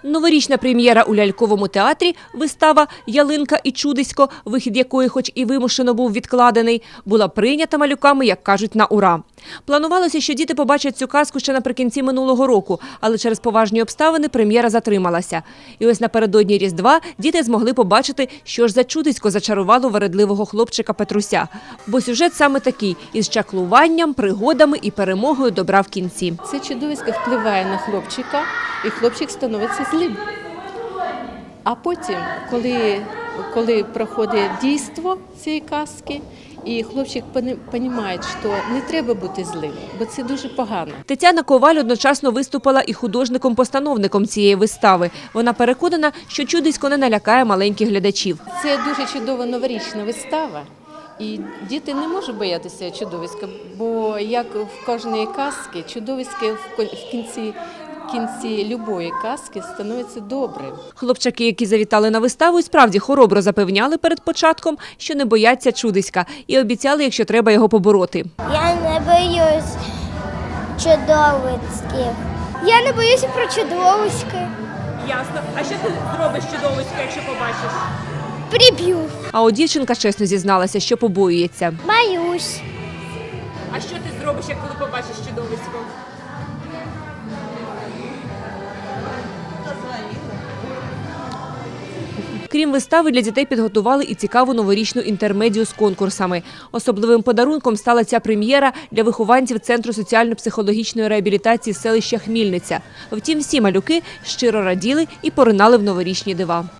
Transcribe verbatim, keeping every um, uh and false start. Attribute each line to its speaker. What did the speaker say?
Speaker 1: Новорічна прем'єра у ляльковому театрі, вистава «Ялинка і чудисько», вихід якої хоч і вимушено був відкладений, була прийнята малюками, як кажуть, на ура. Планувалося, що діти побачать цю казку ще наприкінці минулого року, але через поважні обставини прем'єра затрималася. І ось напередодні Різдва діти змогли побачити, що ж за чудисько зачарувало вередливого хлопчика Петруся. Бо сюжет саме такий – із чаклуванням, пригодами і перемогою добра в кінці.
Speaker 2: Це чудовисько впливає на хлопчика, і хлопчик становиться злим. А потім, коли, коли проходить дійство цієї казки, і хлопчик розуміє, що не треба бути злим, бо це дуже погано.
Speaker 1: Тетяна Коваль одночасно виступила і художником-постановником цієї вистави. Вона переконана, що чудисько не налякає маленьких глядачів.
Speaker 2: Це дуже чудова новорічна вистава. І діти не можуть боятися чудовиська, бо як в кожній казці, чудовисько в кінці, в кінці любої казки становиться добрим.
Speaker 1: Хлопчаки, які завітали на виставу, і справді хоробро запевняли перед початком, що не бояться чудиська, і обіцяли, якщо треба, його побороти.
Speaker 3: Я не боюсь чудовиськів. Я не боюся про чудовиськи.
Speaker 1: Ясно. А що ти зробиш чудовисько, якщо побачиш?
Speaker 3: Приб'ю.
Speaker 1: А от дівчинка чесно зізналася, що побоюється.
Speaker 3: Боюсь.
Speaker 1: А що ти зробиш, як коли побачиш чудовисько? Крім вистави, для дітей підготували і цікаву новорічну інтермедію з конкурсами. Особливим подарунком стала ця прем'єра для вихованців Центру соціально-психологічної реабілітації селища Хмільниця. Втім, всі малюки щиро раділи і поринали в новорічні дива.